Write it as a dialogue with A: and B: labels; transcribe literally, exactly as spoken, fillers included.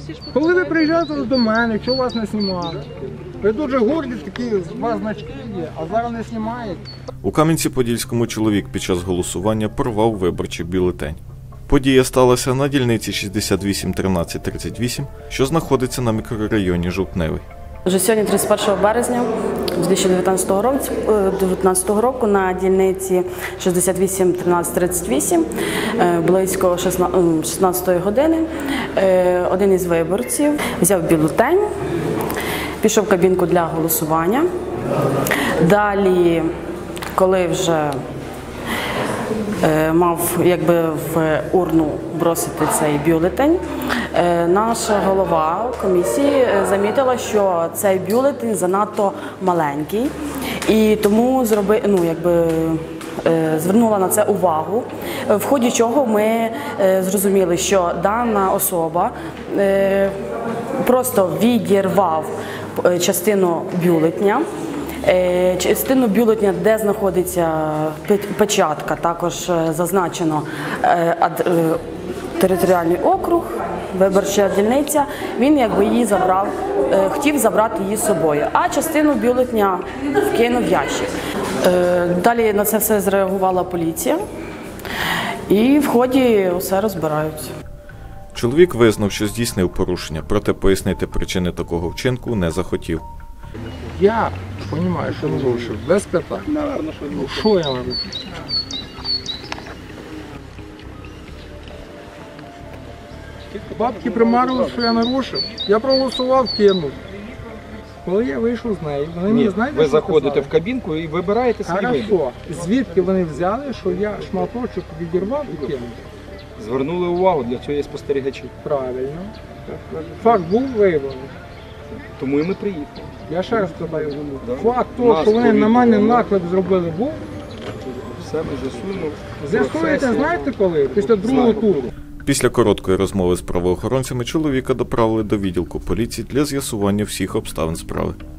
A: Коли ви приїжджаєте до мене, якщо вас не знімали, ви дуже горді, такі у вас значки є, а зараз не знімають.
B: У Кам'янці-Подільському чоловік під час голосування порвав виборчий бюлетень. Подія сталася на дільниці шістдесят вісім тринадцять тридцять вісім, що знаходиться на мікрорайоні Жовтневий.
C: Вже сьогодні, тридцять першого березня дві тисячі дев'ятнадцятого року, на дільниці шістдесят вісім тринадцять тридцять вісім, близько шістнадцятої години, один із виборців взяв бюлетень, пішов в кабінку для голосування. Далі, коли вже мав якби в урну бросити цей бюлетень, наша голова комісії замітила, що цей бюлетень занадто маленький, і тому зроби, ну, якби, звернула на це увагу, в ході чого ми зрозуміли, що дана особа просто відірвав частину бюлетня, частину бюлетня, де знаходиться печатка, також зазначено територіальний округ, виборча дільниця, він якби її забрав, хотів забрати її з собою, а частину бюлетня вкинув в ящик. Далі на це все зреагувала поліція, і в ході все розбираються.
B: Чоловік визнав, що здійснив порушення, проте пояснити причини такого вчинку не захотів.
A: Я розумію, що нарушив, без питань. Ну, що я нарушив? Бабки примарили, що я нарушив. Я проголосував, кинув. Коли я вийшов з нею, вони мені, знаєте,
D: ви заходите в кабінку і вибираєте свій вибір.
A: Хорошо. Звідки вони взяли, що я шматочок відірвав і кинув?
D: Звернули увагу, для цього є спостерігачі.
A: Правильно. Факт був виявлений.
D: Тому і ми приїхали.
A: Я ще раз питаю, факт того, що вони на мене наклеп зробили, був?
D: Все ми з'ясуємо.
A: З'ясуєте, знаєте коли? Після другого туру.
B: Після короткої розмови з правоохоронцями чоловіка доправили до відділку поліції для з'ясування всіх обставин справи.